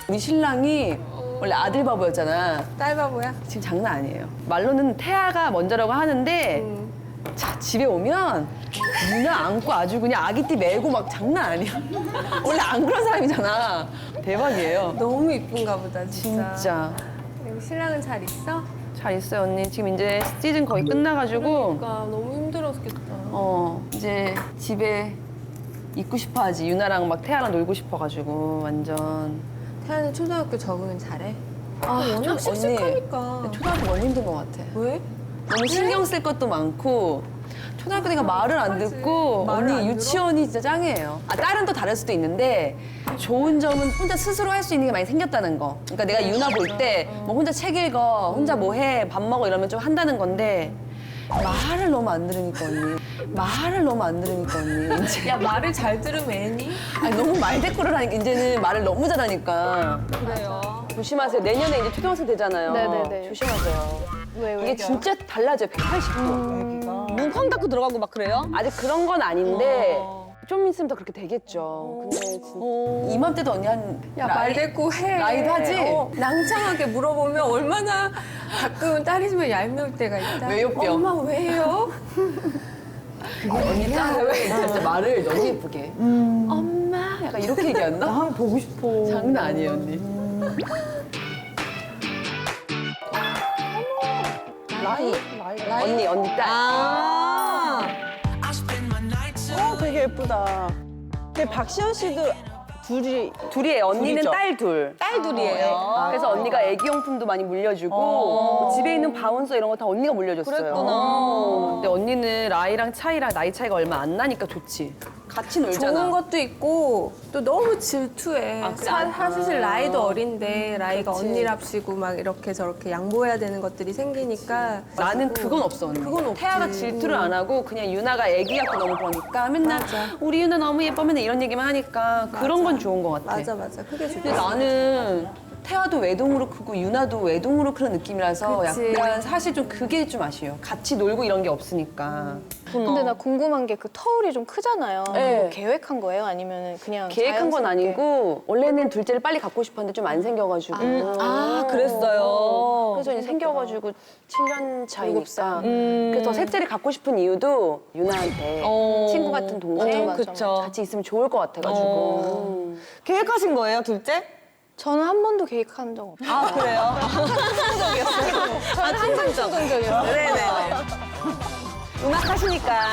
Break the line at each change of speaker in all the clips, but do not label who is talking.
우리 신랑이 원래 아들 바보였잖아.
딸 바보야?
지금 장난 아니에요. 말로는 태아가 먼저라고 하는데 자, 집에 오면 누나 안고 아주 그냥 아기띠 메고 막 장난 아니야. 원래 안 그런 사람이잖아. 대박이에요.
너무 이쁜가 보다, 진짜.
진짜.
여기 신랑은 잘 있어?
잘 있어요, 언니. 지금 이제 시즌 거의 끝나가지고
그러니까 너무 힘들었겠다.
이제 집에 있고 싶어 하지. 유나랑 막 태아랑 놀고 싶어가지고 완전.
태아는 초등학교 적응은 잘해?
아,
워낙 씩씩하니까.
근데 초등학교 너무 힘든 것 같아.
왜?
너무 신경 쓸 것도 많고 초등학교 때가 말을 안 듣고
말을 안
언니
들어?
유치원이 진짜 짱이에요. 아 딸은 또 다를 수도 있는데 좋은 점은 혼자 스스로 할 수 있는 게 많이 생겼다는 거. 그러니까 내가 유나 볼 때 뭐 혼자 책 읽어, 혼자 뭐 해, 밥 먹어 이러면 좀 한다는 건데 말을 너무 안 들으니까 언니. 말을 너무 안 들으니까 언니. 이제
야, 말을 잘 들으면 애니?
아니, 너무 말대꾸를 하니까 이제는 말을 너무 잘하니까.
그래요.
조심하세요. 내년에 이제 초등학생 되잖아요.
네네네.
조심하세요.
왜?
이게 진짜 달라져요. 180도.
눈 쾅 닫고 들어가고 막 그래요?
아직 그런 건 아닌데 좀 있으면 더 그렇게 되겠죠. 근데 진짜 이맘때도 언니 한
야, 말대꾸 해.
라이브 하지?
낭창하게 물어보면 얼마나 가끔은 딸이지만 얄미울 때가 있다.
왜요, 뿅?
엄마 왜요?
언니 짱 진짜 말을 너무 예쁘게. 엄마 약간 이렇게 얘기한다?
나 한번 보고 싶어.
장난 아니에요 언니. 언니 딸.
아.
되게 예쁘다. 근데 박시현 씨도
둘이에요. 언니는
둘이죠?
딸 둘.
딸 둘이에요.
그래서 언니가 애기용품도 많이 물려주고 뭐 집에 있는 바운서 이런 거 다 언니가 물려줬어요.
그랬구나.
근데 언니는 라이랑 차이랑 나이 차이가 얼마 안 나니까 좋지. 같이 놀잖아.
좋은 것도 있고 또 너무 질투해.
아, 그래?
사실 라이도 어린데 라이가
그치.
언니랍시고 막 이렇게 저렇게 양보해야 되는 것들이 생기니까
나는 그건 없어 언니.
그건 없지.
태아가 질투를 안 하고 그냥 유나가 애기 같고 너무 보니까 맨날
맞아.
우리 유나 너무 예뻐 맨날 이런 얘기만 하니까 그런 건 좋은 것 같아.
맞아 그게 좋지.
근데 나는 태아도 외동으로 크고 유나도 외동으로 크는 느낌이라서
그치.
약간 사실 좀 그게 좀 아쉬워요. 같이 놀고 이런 게 없으니까.
근데 나 궁금한 게 그 터울이 좀 크잖아요.
네.
그거 계획한 거예요? 아니면 그냥
계획한 건
자연스럽게?
아니고 원래는 둘째를 빨리 갖고 싶었는데 좀 안 생겨가지고.
아, 그랬어요.
그래서 이제 생겨가지고 7년 차이니까.
살.
그래서 셋째를 갖고 싶은 이유도 유나한테 친구 같은 동생
맞아,
그쵸.
같이 있으면 좋을 것 같아가지고.
계획하신 거예요, 둘째?
저는 한 번도 계획한 적 없어요.
아, 그래요?
저는 항상 충동적이었어요.
네네네. 음악하시니까.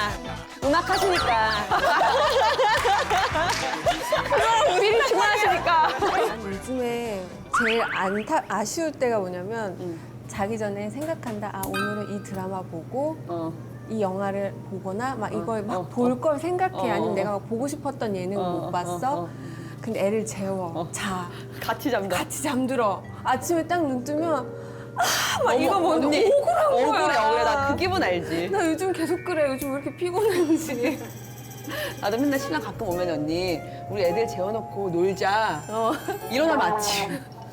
미리 주문하시니까.
난 요즘에 제일 아쉬울 때가 뭐냐면 자기 전에 생각한다. 아 오늘은 이 드라마 보고 이 영화를 보거나 막 이걸 막 볼 걸 생각해. 아니면 내가 막 보고 싶었던 예능 못 봤어. 근데 애를 재워. 자.
같이 잠다.
같이 잠들어. 아침에 딱 눈 뜨면 막 이거
어머,
뭔지
언니.
억울한 거야.
억울해. 나 그 기분 알지.
나 요즘 계속 그래. 요즘 왜 이렇게 피곤한지.
나도 맨날 신랑 가끔 오면 언니 우리 애들 재워놓고 놀자. 이런 날 맞지?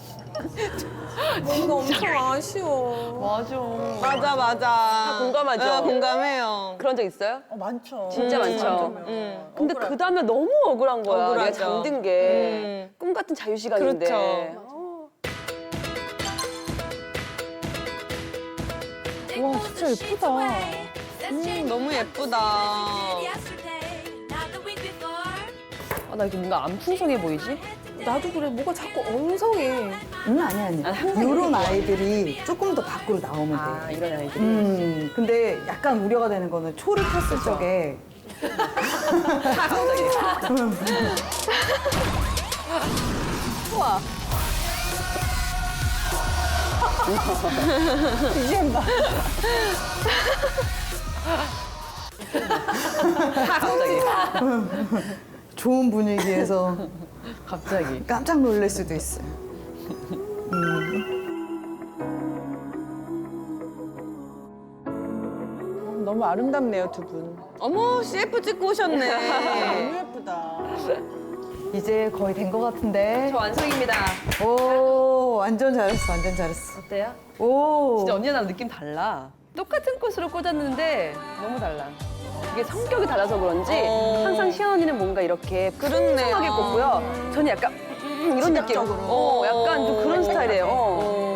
뭔가 엄청 아쉬워.
맞아.
맞아.
다 공감하죠?
네, 공감해요.
그런 적 있어요?
많죠.
진짜 많죠. 근데 그 다음에 너무 억울한 거야. 내가
억울하죠.
잠든 게 꿈 같은 자유 시간인데.
그렇죠.
와, 진짜 예쁘다.
너무 예쁘다.
나 이게 뭔가 안 풍성해 보이지?
나도 그래. 뭐가 자꾸 엉성해.
아니.
항상
이런
이렇게
아이들이 조금 더 밖으로 나오면 돼.
이런 아이들이.
근데 약간 우려가 되는 거는 초를 탔을 적에 이젠 봐.
갑자기.
좋은 분위기에서
갑자기.
깜짝 놀랄 수도 있어요. 너무 아름답네요, 두 분.
어머, CF 찍고 오셨네.
너무 예쁘다. 이제 거의 된 것 같은데.
저 완성입니다.
오, 완전 잘했어, 완전 잘했어.
어때요?
오.
진짜 언니랑 나랑 느낌 달라. 똑같은 꽃으로 꽂았는데 너무 달라. 이게 성격이 달라서 그런지 항상 시연 언니는 뭔가 이렇게
그렇네요.
풍성하게 꽂고요. 저는 약간 이런 느낌. 약간 좀 그런 스타일이에요.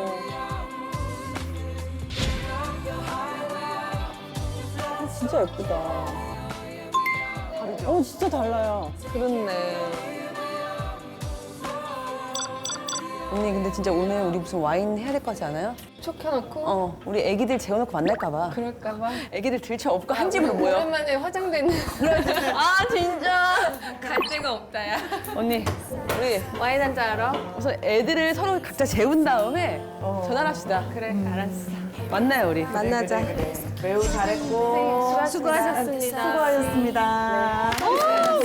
진짜 예쁘다. 진짜 달라요.
그렇네.
언니 근데 진짜 오늘 우리 무슨 와인 해야 될 것 같지 않아요?
촉 켜놓고
우리 애기들 재워놓고 만날까 봐.
그럴까봐.
애기들 들쳐 업고 한 집으로 모여.
오랜만에 화장된
아 진짜.
갈 데가 없다 야.
언니 우리
와인 한잔 하러?
우선 애들을 서로 각자 재운 다음에 전화를 합시다.
그래 알았어.
만나요 우리.
만나자.
매우 잘했고.
수고하셨습니다.
수고하셨습니다.